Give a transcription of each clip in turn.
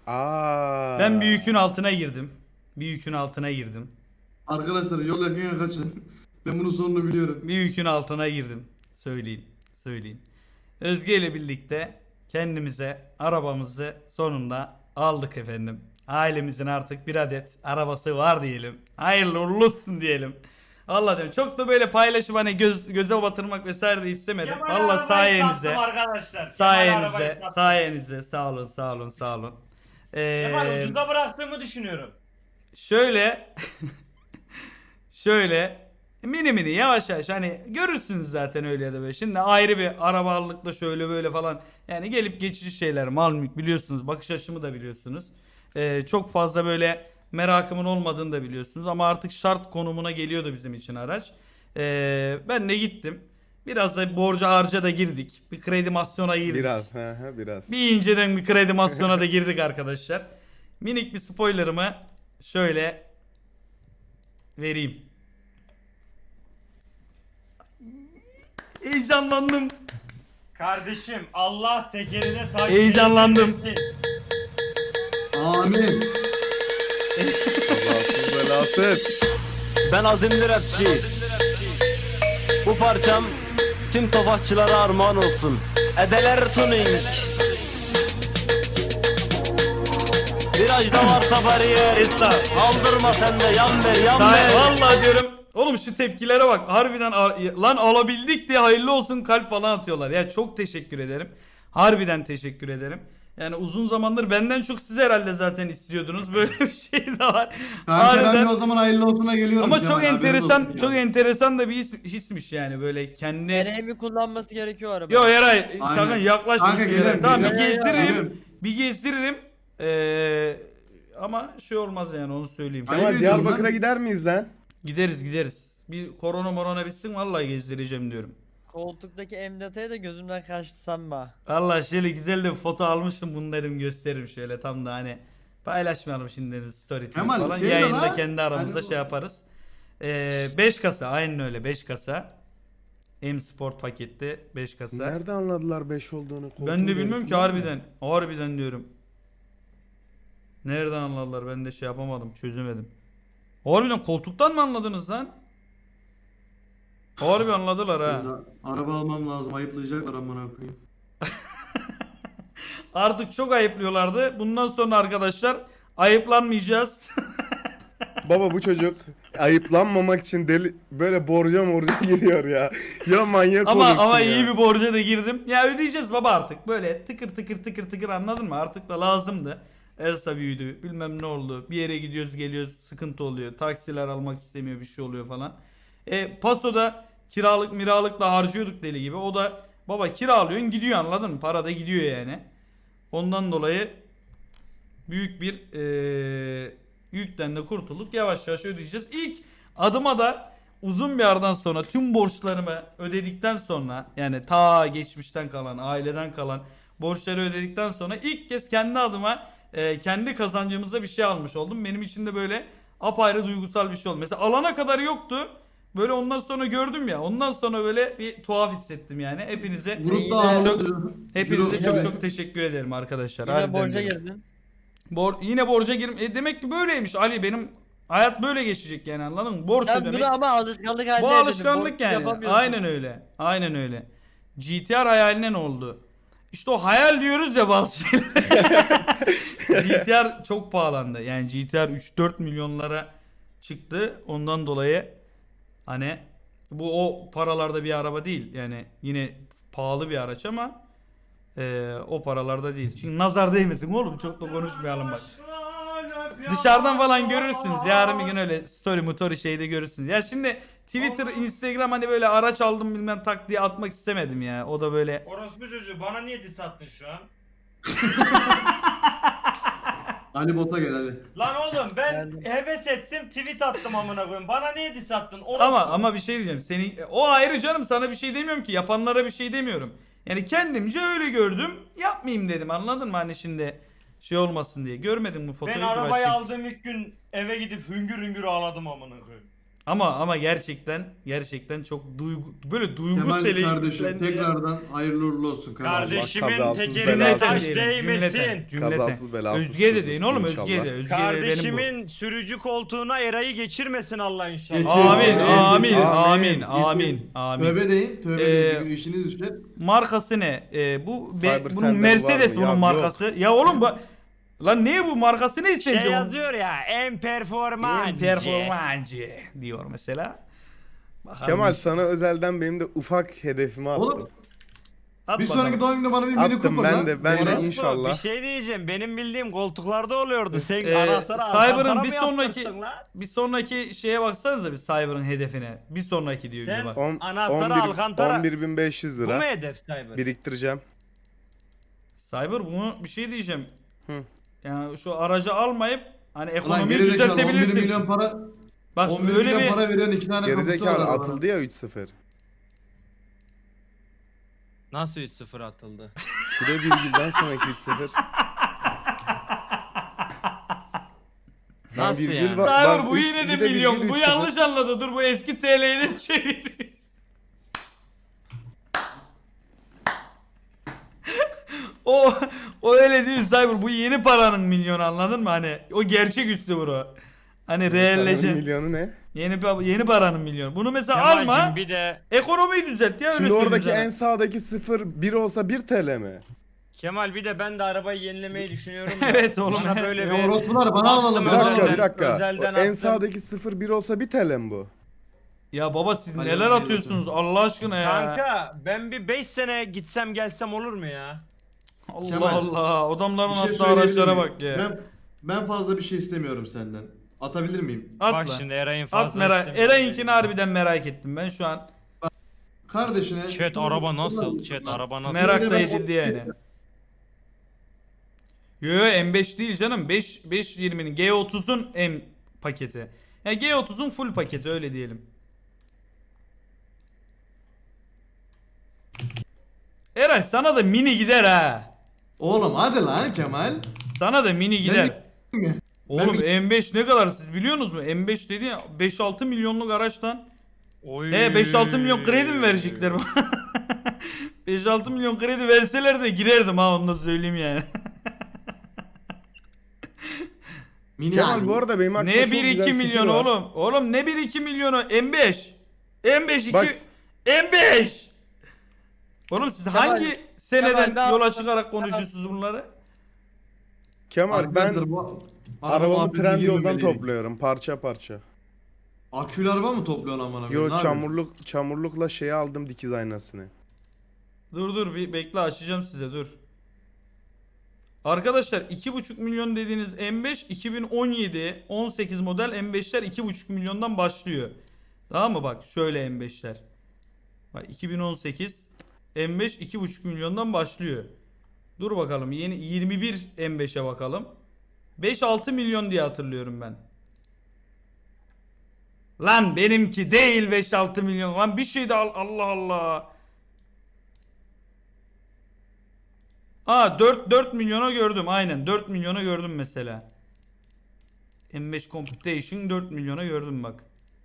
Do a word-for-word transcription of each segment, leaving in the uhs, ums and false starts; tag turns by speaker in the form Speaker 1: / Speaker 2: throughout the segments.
Speaker 1: Aa.
Speaker 2: Ben bir yükün altına girdim. Bir yükün altına girdim.
Speaker 3: Arkadaşlar yol yakın kaçın. Ben bunun sonunu biliyorum.
Speaker 2: Bir yükün altına girdim. Söyleyeyim. Söyleyeyim. Özge ile birlikte kendimize arabamızı sonunda aldık efendim. Ailemizin artık bir adet arabası var diyelim. Hayırlı uğurlu olsun diyelim. Allah diyorum. Çok da böyle paylaşım hani göz, göze batırmak vesaire de istemedim.
Speaker 4: Kemal
Speaker 2: Allah
Speaker 4: arabayı
Speaker 2: sayenizde.
Speaker 4: sattım arkadaşlar. Kemal
Speaker 2: Sayenizde.
Speaker 4: arabayı sattım.
Speaker 2: Sayenizde. Sağ olun, sağ olun, sağ olun.
Speaker 4: Kemal
Speaker 2: Ee,
Speaker 4: ucuza bıraktığımı düşünüyorum.
Speaker 2: Şöyle şöyle mini mini yavaş yavaş hani görürsünüz zaten öyle ya da böyle. Şimdi ayrı bir arabalıkla şöyle böyle falan yani gelip geçici şeyler mal mülk biliyorsunuz, bakış açımı da biliyorsunuz. Ee, çok fazla böyle merakımın olmadığını da biliyorsunuz ama artık şart konumuna geliyordu bizim için araç. Ee, ben de gittim. Biraz da borca harca da girdik. Bir kredimasyona girdik.
Speaker 1: Biraz. Hı hı, biraz.
Speaker 2: Bir inceden bir kredimasyona da girdik arkadaşlar. Minik bir spoilerımı şöyle vereyim. Heyecanlandım.
Speaker 4: Kardeşim Allah tekerine taş
Speaker 2: Heyecanlandım.
Speaker 4: değdirmesin.
Speaker 3: Amin.
Speaker 1: Kazasız belasız.
Speaker 5: Ben azimli rapçi. Bu parçam tüm tofaşçılara armağan olsun. Edeler tuning. Virajda varsa bariyer.
Speaker 2: Esra.
Speaker 5: Aldırma sen de yan ver yan
Speaker 2: Daha,
Speaker 5: ver.
Speaker 2: vallahi diyorum. Oğlum şu tepkilere bak. Harbiden lan alabildik diye hayırlı olsun kalp falan atıyorlar. Ya çok teşekkür ederim. Harbiden teşekkür ederim. Yani uzun zamandır benden çok siz herhalde zaten istiyordunuz. Böyle bir şey de var.
Speaker 3: Kanka ben
Speaker 2: Harbiden.
Speaker 3: de o zaman hayırlı olsuna geliyorum.
Speaker 2: Ama
Speaker 3: Kemal,
Speaker 2: çok
Speaker 3: haberin
Speaker 2: enteresan,
Speaker 3: olsun
Speaker 2: çok
Speaker 3: ya.
Speaker 2: enteresan da bir his, hismiş yani böyle kendi.
Speaker 6: Nereye mi kullanması gerekiyor araba?
Speaker 2: Yo Eray,
Speaker 3: Aynen.
Speaker 2: sakın yaklaş.
Speaker 3: Kanka,
Speaker 2: bir
Speaker 3: gelirim,
Speaker 2: Tamam bir
Speaker 3: gelirim.
Speaker 2: gezdiririm.
Speaker 3: Gelirim.
Speaker 2: Bir gezdiririm. Ee, ama şey olmaz yani onu söyleyeyim.
Speaker 3: Ayıp
Speaker 1: Kemal
Speaker 3: ediyorum
Speaker 1: Diyarbakır'a
Speaker 3: lan.
Speaker 1: gider miyiz lan?
Speaker 2: Gideriz gideriz. Bir korona morona bitsin vallahi gezdireceğim diyorum.
Speaker 6: Koltuktaki emdataya da gözümden kaçtı sanma.
Speaker 2: Vallahi şöyle güzel de bir foto almıştım bunu dedim gösteririm şöyle tam da hani paylaşmayalım şimdi dedim story tweet
Speaker 3: Kemal,
Speaker 2: falan
Speaker 3: şey de
Speaker 2: yayında
Speaker 3: lan,
Speaker 2: kendi aramızda
Speaker 3: hani bu-
Speaker 2: şey yaparız. Ee, beş kasa aynen öyle beş kasa. M Sport pakette beş kasa.
Speaker 1: Nerede anladılar beş olduğunu?
Speaker 2: Ben
Speaker 1: Koltuğun
Speaker 2: de bilmiyorum ki
Speaker 1: gerisinden mi?
Speaker 2: harbiden. Harbiden diyorum. Nereden anladılar ben de şey yapamadım çözemedim. Harbiden koltuktan mı anladınız lan? Harbi anladılar ha.
Speaker 3: Ya, araba almam lazım. Ayıplayacaklar amına koyayım.
Speaker 2: Artık çok ayıplıyorlardı. Bundan sonra arkadaşlar ayıplanmayacağız.
Speaker 1: Baba bu çocuk ayıplanmamak için deli böyle borca morca giriyor ya. Ya manyak
Speaker 2: ama
Speaker 1: olursun
Speaker 2: ama
Speaker 1: ya.
Speaker 2: iyi bir borca da girdim. Ya ödeyeceğiz baba artık. Böyle tıkır tıkır tıkır tıkır anladın mı? Artık da lazımdı. Elsa büyüdü. Bilmem ne oldu. Bir yere gidiyoruz geliyoruz sıkıntı oluyor. Taksiler almak istemiyor bir şey oluyor falan. E Paso'da kiralık miralıkla harcıyorduk deli gibi. O da baba kiralıyorsun gidiyor anladın mı? Para da gidiyor yani. Ondan dolayı büyük bir eee yükten de kurtulduk. Yavaş yavaş ödeyeceğiz. İlk adıma da uzun bir aradan sonra tüm borçlarımı ödedikten sonra yani ta geçmişten kalan aileden kalan borçları ödedikten sonra ilk kez kendi adıma e, kendi kazancımızda bir şey almış oldum. Benim için de böyle apayrı duygusal bir şey oldu. Mesela alana kadar yoktu. Böyle ondan sonra gördüm ya. Ondan sonra böyle bir tuhaf hissettim yani. Hepinize
Speaker 3: Grupta
Speaker 6: Yine-
Speaker 3: ağlıyor.
Speaker 2: hepinize
Speaker 3: Ciro-
Speaker 2: çok çok teşekkür ederim arkadaşlar.
Speaker 6: Yine
Speaker 2: Harbiden
Speaker 6: borca
Speaker 2: diyorum.
Speaker 6: girdin.
Speaker 2: Bor yine borca girim. E demek ki böyleymiş Ali benim hayat böyle geçecek yani anladın mı? Borç
Speaker 6: Sen
Speaker 2: ödemek.
Speaker 6: bunu ama alışkanlık haline
Speaker 2: Bu
Speaker 6: getirdin.
Speaker 2: alışkanlık
Speaker 6: Borç
Speaker 2: yani.
Speaker 6: yapamıyorsun.
Speaker 2: Aynen öyle. Aynen öyle. G T R hayaline ne oldu? İşte o hayal diyoruz ya bazı şeyler. G T R çok pahalandı. Yani G T R üç dört milyonlara çıktı. Ondan dolayı hani bu o paralarda bir araba değil. Yani yine pahalı bir araç ama e, o paralarda değil. Çünkü nazar değmesin oğlum çok da konuşmayalım bak. Dışarıdan falan görürsünüz. Yarın bir gün öyle story motori şeyde görürsünüz. Ya şimdi Twitter, Instagram hani böyle araç aldım bilmem tak diye atmak istemedim ya. O da böyle.
Speaker 4: Orospu çocuğu bana niye diss attın şu an?
Speaker 3: Ali Bot'a gel hadi.
Speaker 4: Lan oğlum ben
Speaker 6: Geldim.
Speaker 4: heves ettim tweet attım amına koyayım. Bana niye diss attın? Orospu.
Speaker 2: Ama ama bir şey diyeceğim. Senin o ayrı canım sana bir şey demiyorum ki. Yapanlara bir şey demiyorum. Yani kendimce öyle gördüm. Yapmayayım dedim. Anladın mı hani şimdi şey olmasın diye. Görmedim bu fotoğrafı.
Speaker 4: Ben arabayı aldığım ilk gün eve gidip hüngür hüngür ağladım amına koyayım.
Speaker 2: Ama ama gerçekten gerçekten çok duygu böyle duygu
Speaker 3: Kemal
Speaker 2: seli
Speaker 3: kardeşim
Speaker 2: yüklendi.
Speaker 3: tekrardan hayırlı uğurlu olsun kardeşim.
Speaker 4: Kardeşimin
Speaker 1: kazasız
Speaker 4: tekerine
Speaker 1: belasız
Speaker 4: taş
Speaker 2: Cümleten, cümleten,
Speaker 4: değmesin.
Speaker 2: cümleten.
Speaker 1: Kazasız belasız
Speaker 2: Özge de deyin
Speaker 1: sürdürsün
Speaker 2: oğlum
Speaker 1: inşallah.
Speaker 2: Özge de. Özge de benim bu.
Speaker 4: Kardeşimin sürücü koltuğuna Eray'ı geçirmesin Allah inşallah.
Speaker 3: Geçir.
Speaker 2: Amin,
Speaker 3: Geçir.
Speaker 2: amin,
Speaker 3: Geçir.
Speaker 2: amin,
Speaker 3: Geçir.
Speaker 2: amin, amin.
Speaker 3: Tövbe deyin, tövbe
Speaker 2: Ee,
Speaker 3: deyin. Bir gün işiniz düşer.
Speaker 2: Markası ne? Ee, bu be-
Speaker 1: Cyber
Speaker 2: bunun
Speaker 1: sende
Speaker 2: Mercedes
Speaker 1: var mı?
Speaker 2: bunun
Speaker 1: Ya
Speaker 2: markası. Ya oğlum bu lan ne bu markası ne
Speaker 4: Şey
Speaker 2: sence?
Speaker 4: yazıyor ya en performancı.
Speaker 2: En performancı diyor mesela. Bakalım
Speaker 1: Kemal
Speaker 2: işte.
Speaker 1: sana özelden benim de ufak hedefimi attım.
Speaker 3: Oğlum
Speaker 2: At
Speaker 3: bir
Speaker 2: bakalım.
Speaker 3: sonraki doğum günü bana bir mini
Speaker 1: Attım
Speaker 3: Cooper
Speaker 1: ben
Speaker 3: lan.
Speaker 1: de, ben de
Speaker 3: Bana-
Speaker 4: Orospu,
Speaker 1: inşallah.
Speaker 4: Bir şey diyeceğim. Benim bildiğim koltuklarda oluyordu. Sen
Speaker 2: Ee,
Speaker 4: anahtarı
Speaker 2: Cyber'ın
Speaker 4: Alcantara
Speaker 2: bir
Speaker 4: mı
Speaker 2: sonraki
Speaker 4: yaptırttın lan?
Speaker 2: bir sonraki şeye baksanıza bir Cyber'ın hedefine. Bir sonraki diyor bir de
Speaker 4: Sen
Speaker 2: bak.
Speaker 1: On-
Speaker 4: anahtarı
Speaker 1: on bir
Speaker 4: Alcantara-
Speaker 1: on bir bin beş yüz
Speaker 4: Bu mu
Speaker 1: lira
Speaker 4: hedef Cyber?
Speaker 1: biriktireceğim.
Speaker 2: Cyber bunu bir şey diyeceğim.
Speaker 1: Hı.
Speaker 2: Yani şu aracı almayıp hani
Speaker 3: Ulan
Speaker 2: ekonomiyi
Speaker 3: gerizekalı on bir
Speaker 2: düzeltebilirsin.
Speaker 3: milyon para
Speaker 2: Bak
Speaker 3: on
Speaker 2: şimdi
Speaker 3: bir
Speaker 2: öyle
Speaker 3: milyon
Speaker 2: bir
Speaker 3: para veren iki tane kapısı var
Speaker 1: Gerizekalı
Speaker 3: arabana.
Speaker 1: atıldı ya üç sıfır.
Speaker 4: Nasıl üç sıfır atıldı?
Speaker 1: Bir de virgülden sonraki üç sıfır. Lan
Speaker 4: Nasıl
Speaker 1: virgül
Speaker 4: yani?
Speaker 1: var-
Speaker 2: Cyber
Speaker 1: bak
Speaker 2: bu
Speaker 1: üç-
Speaker 2: yine de
Speaker 1: bir virgül
Speaker 2: milyon.
Speaker 1: üç
Speaker 2: Bu
Speaker 1: sıfır.
Speaker 2: yanlış anladı. Dur bu eski T L'ye de çevir. O o öyle değil Cyber. Bu yeni paranın milyonu anladın mı? Hani o gerçek üstü bro. Hani realleşen.
Speaker 1: Milyonu ne?
Speaker 2: Yeni pa- yeni paranın milyonu. Bunu mesela
Speaker 4: Kemal'cim
Speaker 2: alma.
Speaker 4: bir de
Speaker 2: Ekonomiyi düzelt ya öyle
Speaker 1: Şimdi
Speaker 2: söyleyeyim
Speaker 1: oradaki
Speaker 2: sana.
Speaker 1: en sağdaki sıfır bir olsa bir T L mi?
Speaker 4: Kemal bir de ben de arabayı yenilemeyi düşünüyorum. da.
Speaker 2: Evet oğlum.
Speaker 4: Bana böyle
Speaker 3: Ya
Speaker 4: bir
Speaker 3: orospular bana alalım.
Speaker 1: Bir
Speaker 3: bana
Speaker 1: dakika
Speaker 3: alalım.
Speaker 1: bir dakika.
Speaker 4: özelden
Speaker 1: O en
Speaker 4: attım.
Speaker 1: sağdaki sıfır bir olsa bir T L mi bu?
Speaker 2: Ya baba siz
Speaker 3: Hadi
Speaker 2: neler
Speaker 3: hadi
Speaker 2: atıyorsunuz Allah aşkına ya.
Speaker 4: Kanka ben bir beş sene gitsem gelsem olur mu ya?
Speaker 2: Allah
Speaker 3: Kemal,
Speaker 2: Allah. Adamların
Speaker 3: Bir şey
Speaker 2: attığı
Speaker 3: söyleyebilir
Speaker 2: araçlara
Speaker 3: miyim?
Speaker 2: bak ya.
Speaker 3: Ben, ben fazla bir şey istemiyorum senden. Atabilir miyim?
Speaker 2: At
Speaker 4: Bak
Speaker 2: lan.
Speaker 4: şimdi Eray'ın fazla
Speaker 2: At merak.
Speaker 4: istemiyorum.
Speaker 2: Eren'inkini harbiden merak ettim ben şu an.
Speaker 3: Kardeşine...
Speaker 4: Chat araba nasıl? Chat araba nasıl?
Speaker 2: Merak
Speaker 3: de
Speaker 2: da
Speaker 3: ben
Speaker 2: edildi
Speaker 3: o-
Speaker 2: yani. Yo yo M beş değil canım. beş beş yirminin G otuzun M paketi. Yani G otuzun full paketi öyle diyelim. Eray sana da mini gider ha.
Speaker 3: Oğlum hadi lan Kemal.
Speaker 2: Sana da mini gider.
Speaker 3: mi?
Speaker 2: Oğlum
Speaker 3: Ben
Speaker 2: M beş ne kadar siz biliyorsunuz mu? M beş dedi ya beş altı milyonluk araçtan.
Speaker 4: Oy.
Speaker 2: He beş altı milyon kredi mi verecekler bana? beş altı milyon kredi verseler de girerdim ha onu da söyleyeyim yani.
Speaker 3: Mini
Speaker 1: Kemal
Speaker 3: abi.
Speaker 1: bu arada benim aklımda
Speaker 2: Ne
Speaker 1: çok
Speaker 2: bir
Speaker 1: güzel
Speaker 2: iki
Speaker 1: fikir
Speaker 2: milyon
Speaker 1: var.
Speaker 2: oğlum? Oğlum ne bir iki milyonu? M beş. M beş iki.
Speaker 1: Bak-
Speaker 2: M beş. Oğlum siz hangi seneden
Speaker 6: Kemal, ne
Speaker 2: yola
Speaker 6: yaptın?
Speaker 2: çıkarak konuşuyorsunuz bunları?
Speaker 1: Kemal ben
Speaker 3: Arkadaşlar, bu- araba
Speaker 1: arabamı
Speaker 3: muhabbetine
Speaker 1: Trendyol'dan
Speaker 3: girmemeliydik.
Speaker 1: topluyorum parça parça.
Speaker 3: Akülü araba mı topluyorsun amına koyayım?
Speaker 1: Yo
Speaker 3: Ne yapıyorsun?
Speaker 1: çamurluk çamurlukla şeyi aldım dikiz aynasını.
Speaker 2: Dur dur bir bekle açacağım size dur. Arkadaşlar iki buçuk milyon dediğiniz M beş iki bin on yedi on sekiz model M beşler iki buçuk milyondan başlıyor. Tamam mı bak şöyle M beşler. Bak iki bin on sekiz M beş iki buçuk milyondan başlıyor. Dur bakalım yeni yirmi bir M beşe bakalım. beş altı milyon diye hatırlıyorum ben. Lan benimki değil beş altı milyon. Lan bir şey de al Allah Allah. Aa dört dört milyona gördüm aynen dört milyona gördüm mesela. M beş Computation dört milyona gördüm bak.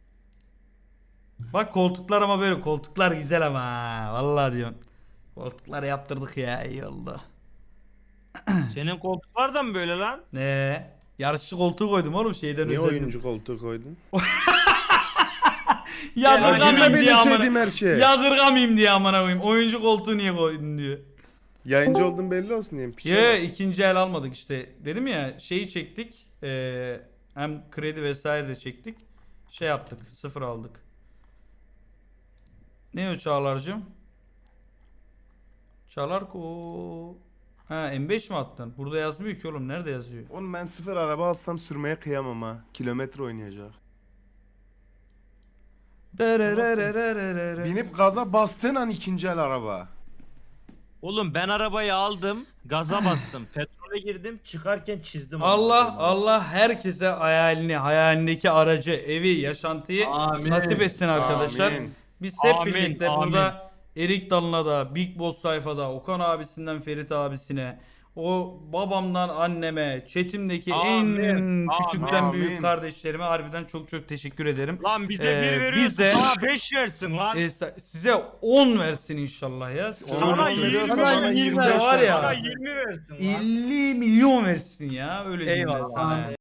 Speaker 2: Bak koltuklar ama böyle koltuklar güzel ama ha. Vallahi diyorum. Koltuklar yaptırdık ya iyi oldu.
Speaker 4: Senin koltuklar da mı böyle lan?
Speaker 2: Ne? Yarışçı koltuğu koydum oğlum şeyden
Speaker 1: Niye
Speaker 2: özendim.
Speaker 1: oyuncu koltuğu koydun?
Speaker 2: Yadırgamayayım
Speaker 1: Yine
Speaker 2: diye
Speaker 1: benim
Speaker 2: amına.
Speaker 1: sevdiğim her şey.
Speaker 2: Yadırgamayayım diye amına koyayım. Oyuncu koltuğu niye koydun diyor.
Speaker 1: Yayıncı olduğum belli olsun diyeyim. Piçe
Speaker 2: Ye
Speaker 1: bak.
Speaker 2: ikinci el almadık işte. Dedim ya şeyi çektik. Ee, hem kredi vesaire de çektik. Şey yaptık. Sıfır aldık. Ne o Çağlar'cığım? Çağlar ko. Ha M beş mi attın? Burada yazmıyor ki oğlum. Nerede yazıyor?
Speaker 1: Oğlum ben sıfır araba alsam sürmeye kıyamam ha. Kilometre oynayacak. Binip gaza bastığın an ikinci el araba.
Speaker 4: Oğlum ben arabayı aldım, gaza bastım, petrole girdim, çıkarken çizdim.
Speaker 2: Allah
Speaker 4: onu.
Speaker 2: Allah herkese hayalini, hayalindeki aracı, evi, yaşantıyı
Speaker 3: Amin.
Speaker 2: nasip etsin arkadaşlar.
Speaker 1: Amin.
Speaker 2: Biz hep
Speaker 4: Amin,
Speaker 2: birlikte
Speaker 4: amin.
Speaker 2: burada Erik Dalına da, Big Boss sayfada, Okan abisinden Ferit abisine, O babamdan anneme, chatimdeki
Speaker 4: Amin,
Speaker 2: en küçükten
Speaker 7: amin.
Speaker 2: büyük kardeşlerime harbiden çok çok teşekkür ederim.
Speaker 4: Lan bize
Speaker 2: Ee,
Speaker 4: bir veriyorsun
Speaker 2: bize-
Speaker 4: sana beş versin lan.
Speaker 2: Ee, sa- size on versin inşallah ya.
Speaker 4: Sana
Speaker 2: Öyle-
Speaker 4: yirmi
Speaker 2: Sana
Speaker 6: bana
Speaker 2: yirmi
Speaker 6: yirmi
Speaker 2: var
Speaker 4: Sana
Speaker 2: ya.
Speaker 4: yirmi versin lan.
Speaker 2: elli milyon versin ya öyle diyeyim ben
Speaker 6: Eyvallah.
Speaker 2: sana. yani.